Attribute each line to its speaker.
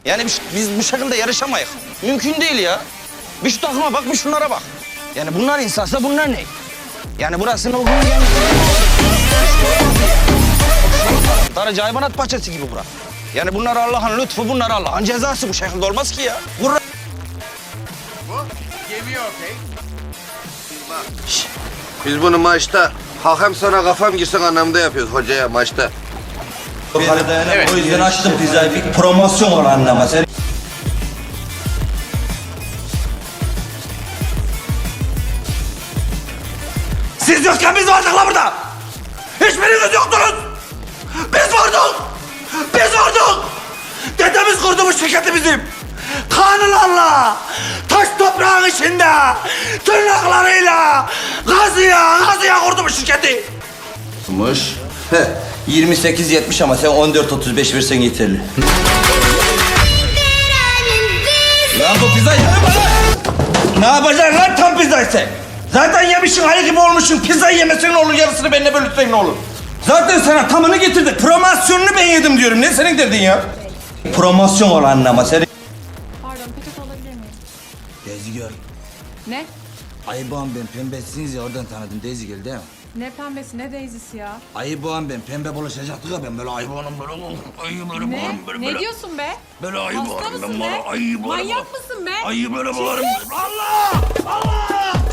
Speaker 1: Yani biz bu şekilde yarışamayız. Mümkün değil ya. Bir şu takıma bak, bir şunlara bak. Yani bunlar insansa bunlar ne? Yani burasının o gün gelmiş. Darıca hayvanat bahçesi gibi bura. Yani bunlar Allah'ın lütfu, bunlar Allah'ın cezası. Bu şekilde olmaz ki ya.
Speaker 2: Biz bunu maçta hakem sana kafam girsin anlamda yapıyoruz hocaya maçta.
Speaker 3: Evet. O yüzden açtım pizzayı. Bir promosyon var anlama. Sen... Siz yokken biz vardık la burada. Hiçbiriniz yoktunuz. Biz vardık. Biz vardık. Dedemiz kurdu bu şirketi bizim. Kanılarla, taş toprağın içinde, tırnaklarıyla, gazıya kurdu bu şirketi.
Speaker 2: Mış.
Speaker 3: 28-70 ama sen 14-35 versen yeterli. Lan bu pizza yeme bana! Ne yapacaksın lan tam pizzayı sen? Zaten yemişsin, ayı gibi olmuşsun. Pizzayı yemesen ne olur, yarısını benimle bölüşsen ne olur? Zaten sana tamını getirdik. Promosyonunu ben yedim diyorum. Ne senin derdin ya? Promosyon ol anlama. Senin...
Speaker 4: Pardon, peçete alabilir miyim?
Speaker 3: Daisy Girl.
Speaker 4: Ne?
Speaker 3: Ayıboğan ben pembesiniz ya oradan tanıdım Daisy Girl değil mi?
Speaker 4: Ne pembesi, ne daisy'si ya?
Speaker 3: Ayıboğan ben pembe bulaşacaktık ya ben böyle ayıboğanım böyle ayı böyle
Speaker 4: Ne?
Speaker 3: bağırım böyle.
Speaker 4: Ne diyorsun be?
Speaker 3: Böyle ayı
Speaker 4: Hasta
Speaker 3: bağırım
Speaker 4: mısın
Speaker 3: ben
Speaker 4: be?
Speaker 3: böyle ayı bağırım.
Speaker 4: Manyak mısın be?
Speaker 3: Ayı böyle bağırım. Allah! Allah!